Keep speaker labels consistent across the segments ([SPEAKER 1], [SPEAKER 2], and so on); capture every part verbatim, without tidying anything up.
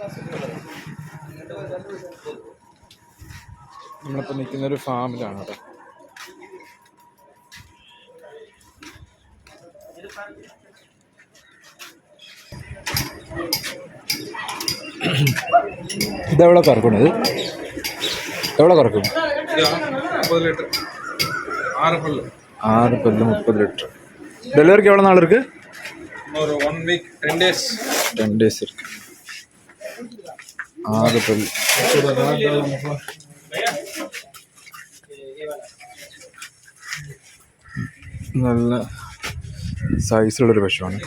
[SPEAKER 1] നമ്മളിപ്പോൾ നിൽക്കുന്നൊരു ഫാമിലാണ് കേട്ടോ. ഇതെവിടെ കറക്കണത്? എവിടെ കറക്കും?
[SPEAKER 2] முப்பது லிட்டர் ஆறு பல்லு
[SPEAKER 1] ஆறு பல்லு முப்பது லிட்டர். டெலிவரிக்கு எவ்வளோ நாள் இருக்கு?
[SPEAKER 2] ஒரு one week ten days
[SPEAKER 1] ten days இருக்கு. ஆறு பல்லு നല്ല സൈസിലുള്ളൊരു പശുവാണ്.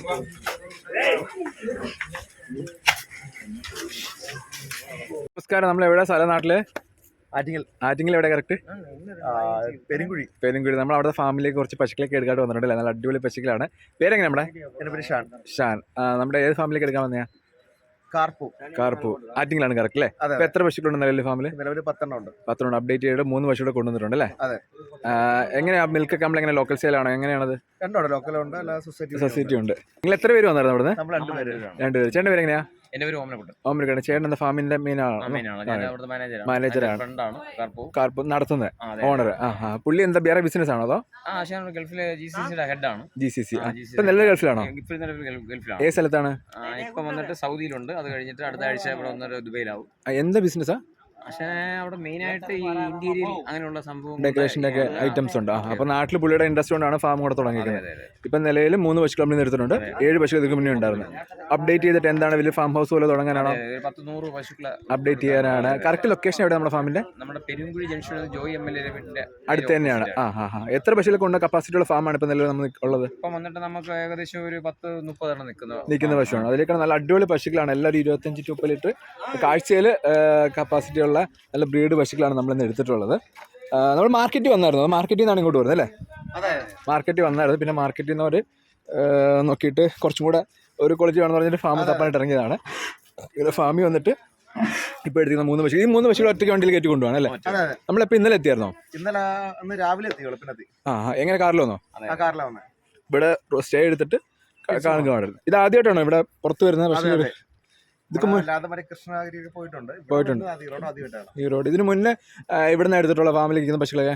[SPEAKER 1] നമസ്കാരം. നമ്മൾ എവിടെ സ്ഥലം? നാട്ടില്
[SPEAKER 3] ആറ്റിങ്ങൽ.
[SPEAKER 1] ആറ്റിങ്ങൽ എവിടെ കറക്റ്റ്?
[SPEAKER 3] പെരുങ്കുഴി.
[SPEAKER 1] പെരുങ്കുഴി. നമ്മൾ അവിടെ ഫാമിലേക്ക് കുറച്ച് പശുക്കളൊക്കെ എടുക്കാട്ട് വന്നിട്ടുണ്ട്. നല്ല അടിപൊളി പശുക്കളാണ്. പേരെങ്ങനെ നമ്മുടെ?
[SPEAKER 3] എൻ്റെ പേര് ഷാൻ.
[SPEAKER 1] ഷാൻ. നമ്മുടെ ഏത് ഫാമിലേക്ക് എടുക്കാൻ വന്നയാ?
[SPEAKER 3] കാർപ്പു.
[SPEAKER 1] കാർപ്പു. ആറ്റിങ്ങിലാണ് കറക്റ്റ് അല്ലേ? അപ്പൊ എത്ര പശുക്കളുണ്ട് നിലവിൽ ഫാമില്?
[SPEAKER 3] നിലവിൽ പത്തെണ്ണം ഉണ്ട്.
[SPEAKER 1] പത്തെണ്ണം അപ്ഡേറ്റ് ചെയ്ത് മൂന്ന് പശുക്കൂടെ കൊണ്ടുവന്നിട്ടുണ്ട് അല്ലേ?
[SPEAKER 3] അതെ.
[SPEAKER 1] എങ്ങനെയാ മിൽക്കൊക്കെ നമ്മൾ എങ്ങനെ ലോക്കൽ സെയിലാണോ? എങ്ങനെയാണത്?
[SPEAKER 3] രണ്ടുണ്ട്, ലോക്കലുണ്ട്, സൊസൈറ്റി
[SPEAKER 1] സൊസൈറ്റി ഉണ്ട്. നിങ്ങൾ എത്ര പേര് വന്നായിരുന്നു അവിടുന്ന്?
[SPEAKER 3] നമ്മൾ രണ്ടുപേര്.
[SPEAKER 1] രണ്ടുപേര്. ചേട്ടൻ്റെ പേര് എങ്ങനെയാ?
[SPEAKER 4] എന്റെ പേര് ഓമനക്കുട്ടൻ.
[SPEAKER 1] ഓമനക്കുട്ടൻ. ചേട്ടൻ എന്താ ഫാമിന്റെ മെയിൻ ആണോ? മാനേജറാണ്. കാർപ്പു നടത്തുന്നത് ഓണർ. ആ ആ പുള്ളി എന്താ വേറെ ബിസിനസ് ആണോ അതോ?
[SPEAKER 4] ഗൾഫിലെ ജി സി സിയുടെ ഹെഡാണ്.
[SPEAKER 1] G C C. ഇപ്പൊ നല്ല ഗൾഫിലാണോ?
[SPEAKER 4] ഗൾഫിലാണ്.
[SPEAKER 1] ഏത് സ്ഥലത്താണ്?
[SPEAKER 4] ഇപ്പൊ വന്നിട്ട് സൗദിയിലുണ്ട്. അത് കഴിഞ്ഞിട്ട് അടുത്ത ആഴ്ച ഇവിടെ വന്നിട്ട് ദുബൈയിലാവും.
[SPEAKER 1] എന്താ ബിസിനസ്സാ?
[SPEAKER 4] പക്ഷേ അവിടെ മെയിൻ ആയിട്ട് ഈ ഇന്റീരിയൽ അങ്ങനെയുള്ള സംഭവം
[SPEAKER 1] ഡെക്കറേഷൻ്റെ ഒക്കെ ഐറ്റംസ് ഉണ്ട്. അപ്പൊ നാട്ടിൽ പുള്ളിയുടെ ഇൻട്രസ്റ്റ് കൊണ്ടാണ് ഫാം കൂടെ തുടങ്ങിയിരിക്കുന്നത്. ഇപ്പൊ നിലയിൽ മൂന്ന് പശു കമ്പനി നിർത്തുന്നുണ്ട്. ഏഴ് പശു ഇതിന് മുന്നേ ഉണ്ടായിരുന്നു. അപ്ഡേറ്റ് ചെയ്തിട്ട് എന്താണ് വലിയ ഫാം ഹൗസ് പോലെ തുടങ്ങാനാണോ?
[SPEAKER 4] പത്ത് നൂറ് പശുക്കളെ
[SPEAKER 1] അപ്ഡേറ്റ് ചെയ്യാനാണ്. കറക്റ്റ് ലൊക്കേഷൻ എവിടെ നമ്മുടെ ഫാമിന്റെ?
[SPEAKER 4] നമ്മുടെ Perunkuzhi junction Joy M L A വീടിന്റെ
[SPEAKER 1] അടുത്ത് തന്നെയാണ്. ആ ആ ആ എത്ര പശുക്കളെ കൊണ്ട് കപ്പാസിറ്റി ഉള്ള ഫാമാണ് ഇപ്പൊ നിലവിൽ നമ്മൾ ഉള്ളത്?
[SPEAKER 4] ഇപ്പൊ വന്നിട്ട് നമുക്ക് ഏകദേശം ഒരു പത്ത് മുപ്പതെണ്ണം നിൽക്കുന്ന
[SPEAKER 1] നിൽക്കുന്ന പശുവാണ്. അതിലേക്കാണ് നല്ല അടിപൊളി പശുക്കളാണ്. എല്ലാവരും ഇരുപത്തഞ്ച് ടു മുപ്പത് ലിറ്റർ കാഴ്ചയിൽ കപ്പാസിറ്റി ഉള്ള നല്ല ബ്രീഡ് പശുക്കളാണ് നമ്മളിന്ന് എടുത്തിട്ടുള്ളത്. നമ്മൾ മാർക്കറ്റിൽ വന്നായിരുന്നു. മാർക്കറ്റിൽ നിന്നാണ് ഇങ്ങോട്ട് വരുന്നത് അല്ലേ? മാർക്കറ്റിൽ വന്നായിരുന്നു. പിന്നെ മാർക്കറ്റിൽ നിന്ന് അവർ നോക്കിയിട്ട് കുറച്ചും കൂടെ ഒരു ക്വാളിറ്റി വേണമെന്ന് പറഞ്ഞിട്ട് ഫാം തപ്പാനായിട്ട് ഇറങ്ങിയതാണ്. ഇവിടെ ഫാമിൽ വന്നിട്ട് ഇപ്പോൾ എടുത്തിരുന്ന മൂന്ന് പശു, ഈ മൂന്ന് പശുകൾ ഒറ്റയ്ക്ക് വണ്ടിയിൽ കയറ്റി കൊണ്ടുപോകണം അല്ലേ? നമ്മളിപ്പോൾ ഇന്നലെ എത്തിയായിരുന്നോ?
[SPEAKER 3] ഇന്നലെ ഇന്ന് രാവിലെ എത്തി. വെളുപ്പിനെത്തി.
[SPEAKER 1] ആ എങ്ങനെ കാറിൽ വന്നോ?
[SPEAKER 3] കാറിലാണ് വന്നത്.
[SPEAKER 1] ഇവിടെ സ്റ്റേ എടുത്തിട്ട് കാണുക പാടില്ല. ഇത് ആദ്യമായിട്ടാണോ ഇവിടെ പുറത്ത് വരുന്നത് പശു?
[SPEAKER 3] കൃഷ്ണഗിരി പോയിട്ടുണ്ട്.
[SPEAKER 1] പോയിട്ടുണ്ട് ഈ റോഡ്. ഇതിന് മുന്നേ ഇവിടുന്ന് എടുത്തിട്ടുള്ള ഫാമിലി ഇരിക്കുന്ന പശുക്കളൊക്കെ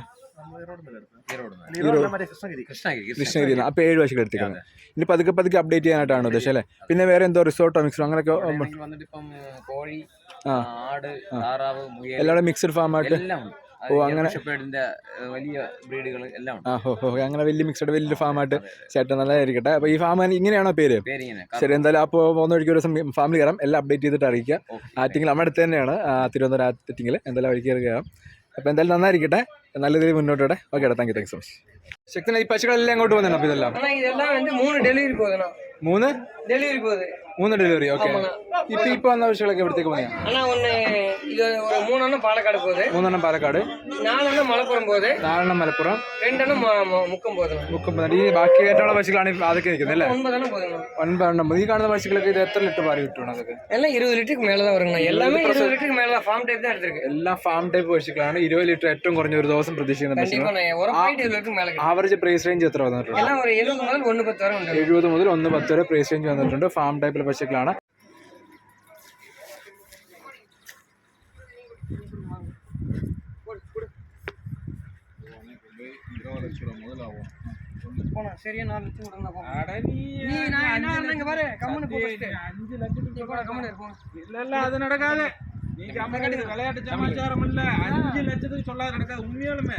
[SPEAKER 1] കൃഷ്ണഗിരി. അപ്പൊ ഏഴ് പശുക്കൾ എടുത്തിരിക്കുന്നത്. ഇനി പതുക്കെ പതുക്കെ അപ്ഡേറ്റ് ചെയ്യാനായിട്ടാണ് ഉദ്ദേശം അല്ലേ? പിന്നെ വേറെ എന്തോ റിസോർട്ടോ മിക്സോ അങ്ങനെയൊക്കെ എല്ലാവരും മിക്സഡ് ഫാമായിട്ട്. ഓ അങ്ങനെ
[SPEAKER 4] വലിയ ബ്രീഡുകൾ എല്ലാം
[SPEAKER 1] ആ ഹോ ഹോ അങ്ങനെ വലിയ മിക്സഡ് വലിയ ഫാമായിട്ട് ചേട്ടൻ നല്ലതായിരിക്കട്ടെ. അപ്പൊ ഈ ഫാം ഇങ്ങനെയാണോ പേര്? ശരി. എന്തായാലും അപ്പോൾ പോകുന്ന വഴിക്ക് ഒരു ദിവസം ഫാമിലി കയറാം. എല്ലാം അപ്ഡേറ്റ് ചെയ്തിട്ട് അറിയിക്കുക. ആറ്റിങ്ങിൽ നമ്മുടെ അടുത്ത് തന്നെയാണ്, തിരുവനന്തപുരം ആറ്റിങ്ങിൽ. എന്തായാലും വഴിക്ക് കയറാം. അപ്പോൾ എന്തായാലും നന്നായിരിക്കട്ടെ, നല്ല രീതിയിൽ മുന്നോട്ടോടെ. ഓക്കെ ഏട്ടാ, thank you. Thank so much. ശക്തന ഈ പശുക്കളെല്ലാം അങ്ങോട്ട് പോകുന്നുണ്ട്. അപ്പോൾ ഇതെല്ലാം മൂന്ന് ഡെലിവറി മൂന്ന് ഡെലിവറി. ഓക്കെ. ഇപ്പൊ ഇപ്പൊ വന്ന പശുക്കളൊക്കെ എവിടത്തേക്ക് പോയാ?
[SPEAKER 5] മൂന്നെണ്ണം പാലക്കാട് പോകുന്നത്,
[SPEAKER 1] മൂന്നെണ്ണം പാലക്കാട്,
[SPEAKER 5] നാലെണ്ണം മലപ്പുറം പോകുന്നത്,
[SPEAKER 1] നാലെണ്ണം മലപ്പുറം,
[SPEAKER 5] രണ്ടെണ്ണം മുക്കം പോകുന്നത്.
[SPEAKER 1] മുക്കം. ഈ ബാക്കി ആയിട്ടുള്ള പശുക്കളാണ് അതൊക്കെ നിൽക്കുന്നത് അല്ലേ?
[SPEAKER 5] ഒൻപതെണ്ണം പോകുന്നത്.
[SPEAKER 1] ഒൻപതെണ്ണം. ഈ കാണുന്ന പശുക്കളൊക്കെ ഇത് എത്ര ലിറ്റർ പാല് കിട്ടണം? അതൊക്കെ
[SPEAKER 5] എല്ലാം ഇരുപത് ലിറ്റർക്ക് മേലെ വരണം. എല്ലാമേ ഇരുപത് ലിറ്റർക്ക് മേലെ ഫാം ടൈപ്പ് തന്നെ എടുത്തിருக்கு.
[SPEAKER 1] എല്ലാം ഫാം ടൈപ്പ് പശുക്കളാണ്. ഇരുപത് ലിറ്റർ ഏറ്റവും കുറഞ്ഞ ഒരു ദിവസം പ്രതീക്ഷിക്കുന്നത്. ആവറേജ് പ്രൈസ് റേഞ്ച് എത്ര വന്നിട്ടുണ്ട്? എഴുപത് മുതൽ ഒന്ന് പത്ത് വരെ പ്രൈസ് റേഞ്ച് വന്നിട്ടുണ്ട്. ഫാം ടൈപ്പിലെ പശുക്കളാണ്.
[SPEAKER 2] அது நடக்காது. விளையாட்டு சமாச்சாரம் இல்ல. அஞ்சு லட்சத்துக்கு சொல்லாத நடக்காது. உண்மையாலுமே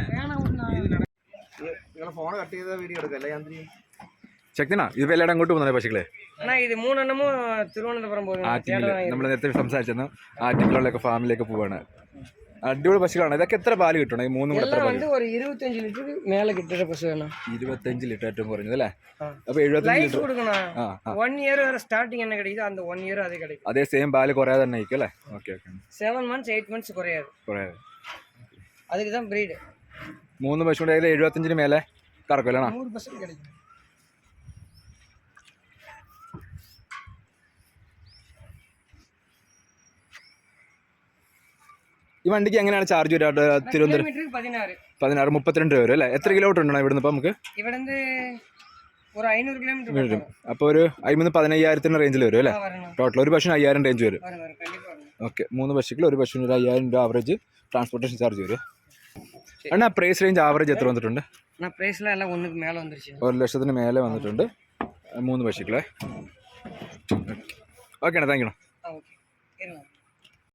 [SPEAKER 3] ഫോണ് കട്ട് ചെയ്ത വീഡിയോ എടുക്കല്ലേ യാന്ത്രി?
[SPEAKER 1] ശക്തിനാ ഇത് എല്ലാവരും അങ്ങോട്ട് പോകുന്നത് പശുക്കളെ?
[SPEAKER 5] ഇത് മൂന്നെണ്ണമോ തിരുവനന്തപുരം പോകുന്നത്.
[SPEAKER 1] നമ്മൾ നേരത്തെ സംസാരിച്ചെന്ന് ആറ്റിങ്ങിലൊക്കെ ഫാമിലേക്ക് പോവാണ്. അടിപൊളി പശുക്കളാണ്. ഇതൊക്കെ എത്ര പാല് കിട്ടണം? ഈ മൂന്നും കൂടെ
[SPEAKER 5] ഒരു ഇരുപത്തഞ്ച് ലിറ്റർ മേലെ കിട്ടിയ പശുവാണ്.
[SPEAKER 1] ഇരുപത്തഞ്ച് ലിറ്റർ ഏറ്റവും കുറഞ്ഞത് അല്ലേ? അപ്പൊ എഴുപത്തഞ്ച് ലിറ്റർ
[SPEAKER 5] വൺ ഇയർ വരെ സ്റ്റാർട്ടിങ് என்ன கிடைக்குது அந்த ஒன் இயர் அதே கிடைக்கும்.
[SPEAKER 1] അതേ സെയിം പാല് കുറയാതെ തന്നെ ആയിരിക്കും അല്ലേ? Okay okay.
[SPEAKER 5] Seven months eight months കുറയാது
[SPEAKER 1] കുറയാതെ.
[SPEAKER 5] அதுக்கு தான் ബ്രീഡ്.
[SPEAKER 1] മൂന്ന് പശുവിടെ എഴുപത്തഞ്ചിന് മേലെ കറക്കുമല്ലോ?
[SPEAKER 5] നൂറ് പെർസെന്റ് கிடைக்கும்.
[SPEAKER 1] ഈ വണ്ടിക്ക് എങ്ങനെയാണ് ചാർജ് വരിക? തിരുവനന്തപുരം പതിനാറ് മുപ്പത്തിരണ്ട് രൂപ വരും അല്ലേ? എത്ര കിലോമീറ്റർ ഉണ്ടോ ഇവിടുന്ന്? ഇപ്പം നമുക്ക്
[SPEAKER 5] ഇവിടുന്ന് ഒരു അഞ്ഞൂറ് കിലോമീറ്റർ
[SPEAKER 1] വരും. അപ്പോൾ ഒരു അമ്പത് പതിനയ്യായിരത്തിന് റേഞ്ചിൽ വരും അല്ലേ? ടോട്ടൽ ഒരു പശുവിന് അയ്യായിരം റേഞ്ച് വരും. ഓക്കെ മൂന്ന് പശുക്കൾ ഒരു പശുവിന് ഒരു അയ്യായിരം രൂപ ആവറേജ് ട്രാൻസ്പോർട്ടേഷൻ ചാർജ് വരും. അണ്ണാ പ്രൈസ് റേഞ്ച് ആവറേജ് എത്ര വന്നിട്ടുണ്ട്?
[SPEAKER 5] நான் பிரைஸ்ல எல்லாம் ஒண்ணுக்கு மேல வந்துருச்சு.
[SPEAKER 1] ഒരു ലക്ഷത്തിന് മേലെ വന്നിട്ടുണ്ട് മൂന്ന് പശുക്കളെ. ഓക്കെ അണ്ണാ, താങ്ക് യു.